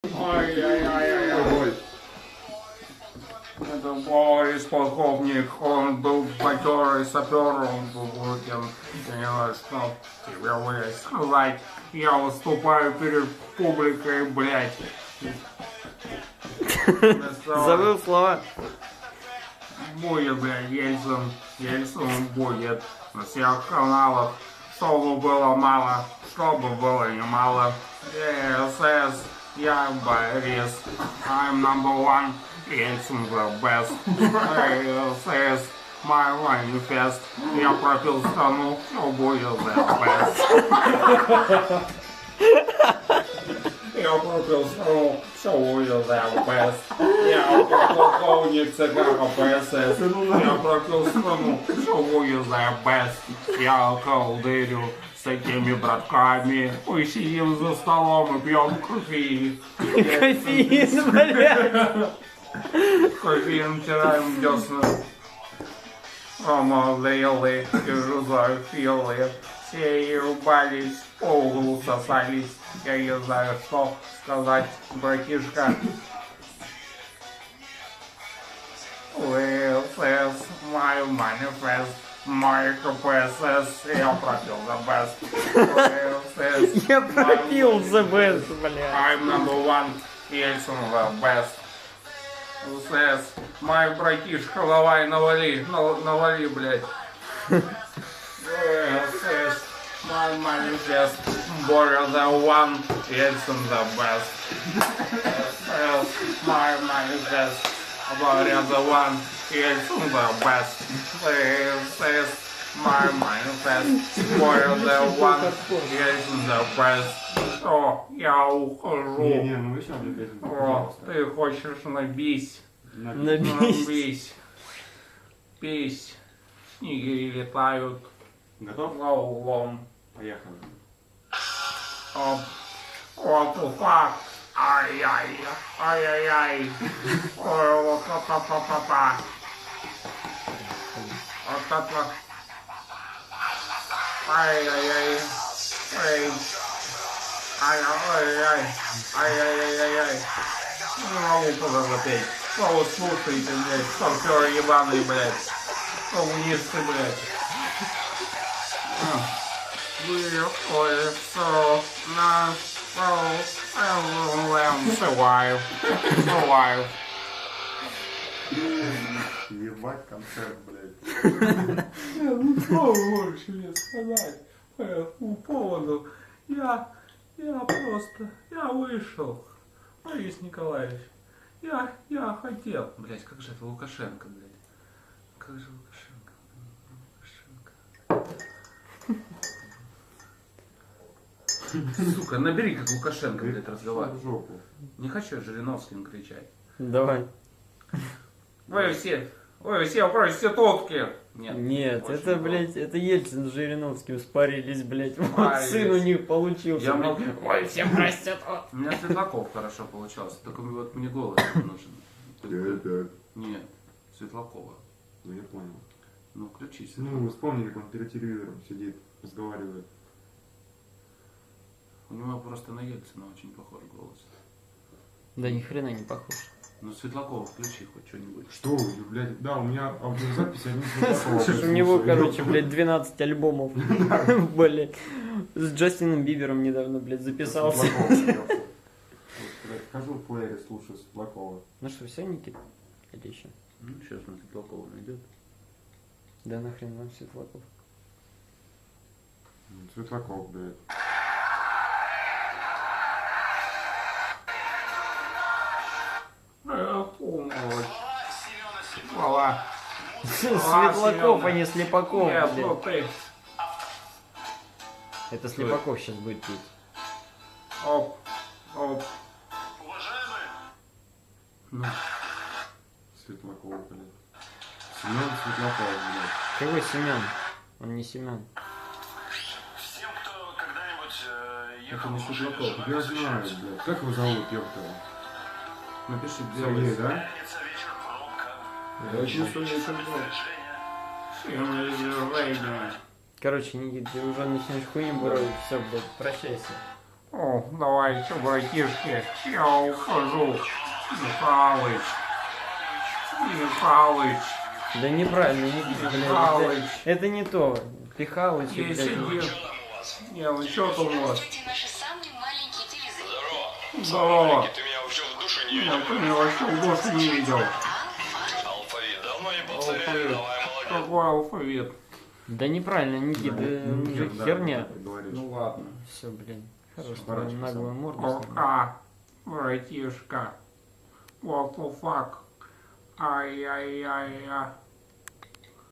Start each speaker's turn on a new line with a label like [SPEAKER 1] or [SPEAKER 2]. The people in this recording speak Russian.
[SPEAKER 1] Ой-ой-ой-ой. Это Борис полковник, он был матерый сапер, он был выкин. Я что тебе блядь, сказать, я выступаю перед публикой, блядь.
[SPEAKER 2] Забыл слова.
[SPEAKER 1] Будет, блядь, Ельцин будет на всех каналах, чтобы было мало, чтобы было немало. ЕСС, я Борис, I'm number one, Ельцин the best. ЕСС, my manifest, я пропил страну, все будет the best. Я пропил страну, все будет the best. Я полковник ЦК КПСС. Я пропил страну, все будет the best. Я колдырю с такими братками. Мы сидим за столом и пьем кофе.
[SPEAKER 2] Кофеин, блядь.
[SPEAKER 1] Кофеин тираем десна. Ромалейлы и жузофилы. Все ебались, полу сосались. Я не знаю, что сказать, братишка. ЛСС, my manifest, my KPSS, я пропил the best. ЛСС,
[SPEAKER 2] Я пропил the best, блядь.
[SPEAKER 1] I'm number one, Ельцин the best. ЛСС, my братишка, давай навали, блядь. ЛСС, my manifest, Боря the one, Ельцин the best. ЛСС, my manifest, Боря the one, Ельцин the best. ЛСС, my manifest, Боря the one, Ельцин the best. О, я ухожу.
[SPEAKER 3] ну вы сейчас, блядь,
[SPEAKER 1] О,
[SPEAKER 3] пожалуйста.
[SPEAKER 1] ты хочешь набись?
[SPEAKER 2] Набись.
[SPEAKER 1] Пись. Снегири летают.
[SPEAKER 3] Готов?
[SPEAKER 1] Лаулом.
[SPEAKER 3] Поехали.
[SPEAKER 1] Оп. Опа. Ай-яй. Ай-яй-яй. Ой, па-па-па-па-па. Па-па-па. Ай-яй-яй. Ай. Ай-яй-яй. Ай-яй-яй-яй. Не могу туда запеть. Что вы слушаете, блядь? Старперы ебаные, блядь. Коммунисты, блядь. Выходится на survive. Survive.
[SPEAKER 3] Ебать концерт, блядь.
[SPEAKER 1] Ну что больше мне сказать по этому поводу? Я вышел. Борис Николаевич, я хотел. Блять, как же это Лукашенко, блядь. Как же Лукашенко? Сука, набери как Лукашенко, блядь, разговаривать.
[SPEAKER 3] В жопу.
[SPEAKER 1] Не хочу Жириновским кричать.
[SPEAKER 2] Давай.
[SPEAKER 1] Вы все проститутки.
[SPEAKER 2] Нет,
[SPEAKER 1] очень
[SPEAKER 2] это,
[SPEAKER 1] плохо.
[SPEAKER 2] блядь, это Ельцин с Жириновским спарились, блядь. Вот
[SPEAKER 1] Спарились.
[SPEAKER 2] сын у них получился.
[SPEAKER 1] Я
[SPEAKER 2] блядь.
[SPEAKER 1] могу-
[SPEAKER 2] Ой, все простят.
[SPEAKER 1] У меня Светлаков хорошо получался, только вот мне голос не нужен. Нет, Светлакова.
[SPEAKER 3] Ну я понял.
[SPEAKER 1] Ну, включи
[SPEAKER 3] Ну,
[SPEAKER 1] Светлакова.
[SPEAKER 3] вспомни, как он перед телевизором сидит, разговаривает.
[SPEAKER 1] У него просто на Ельцина очень похож голос.
[SPEAKER 2] Да ни хрена не похож.
[SPEAKER 1] Ну, Светлакова включи хоть что-нибудь.
[SPEAKER 3] Что вы, блядь, да, у меня аудиозапись один Светлакова.
[SPEAKER 2] Слушай, у него, короче, блядь, 12 альбомов. Блядь. С Джастином Бибером недавно, блядь, записался.
[SPEAKER 3] Вхожу в плеере, слушаю Светлакова.
[SPEAKER 2] Ну что, все, Никит? Или еще?
[SPEAKER 1] Ну, сейчас он Светлакова найдет.
[SPEAKER 2] Да нахрен вам Светлаков.
[SPEAKER 3] Светлаков, блядь.
[SPEAKER 1] Умничь. Хвала.
[SPEAKER 2] Светлаков, а не Слепаков,
[SPEAKER 1] Нет,
[SPEAKER 2] блядь.
[SPEAKER 1] ну ты.
[SPEAKER 2] Это Слепаков сейчас будет петь.
[SPEAKER 1] Оп. Ну,
[SPEAKER 3] Светлаков, блядь. Семен Светлаков, блядь.
[SPEAKER 2] Какой Семен? Он не Семен.
[SPEAKER 4] Всем, кто когда-нибудь
[SPEAKER 1] это
[SPEAKER 4] ехал
[SPEAKER 1] не
[SPEAKER 4] в машине,
[SPEAKER 1] Светлаков.
[SPEAKER 3] Я знаю, блядь. Как его зовут, ёпта?
[SPEAKER 1] Напиши
[SPEAKER 3] Сергей,
[SPEAKER 1] белый.
[SPEAKER 3] да?
[SPEAKER 4] пятница, вечер, пробка,
[SPEAKER 1] Я чувствую, что
[SPEAKER 4] движение.
[SPEAKER 2] Короче, Никит, ты уже начнешь хуйню буровить. Все, блядь, прощайся.
[SPEAKER 1] О, давайте, братишки, я ухожу. Михалыч. Михалыч.
[SPEAKER 2] Да неправильно, Никита, блядь.
[SPEAKER 1] Михалыч.
[SPEAKER 2] Это не то. Пихалыч,
[SPEAKER 1] Я
[SPEAKER 2] блядь.
[SPEAKER 1] сидел. Не, ну что там у вас?
[SPEAKER 5] Здравствуйте, наши самые маленькие телезрители.
[SPEAKER 1] Здорово.
[SPEAKER 4] Ты меня вообще в душе не
[SPEAKER 1] Нет, ты меня вообще в душе не видел.
[SPEAKER 4] Алфавит, давно не повторяли,
[SPEAKER 1] Алфавит.
[SPEAKER 4] давай, молодец.
[SPEAKER 1] Какой алфавит?
[SPEAKER 2] Да неправильно, Никита,
[SPEAKER 3] Ну,
[SPEAKER 2] это
[SPEAKER 3] да,
[SPEAKER 2] херня.
[SPEAKER 3] ты говоришь.
[SPEAKER 1] Ну ладно.
[SPEAKER 2] Все, блин. Хорош,
[SPEAKER 3] Пора
[SPEAKER 2] твою
[SPEAKER 3] часам.
[SPEAKER 2] наглую морду.
[SPEAKER 1] Пока, братишка. What the fuck? Ай-яй-яй-яй.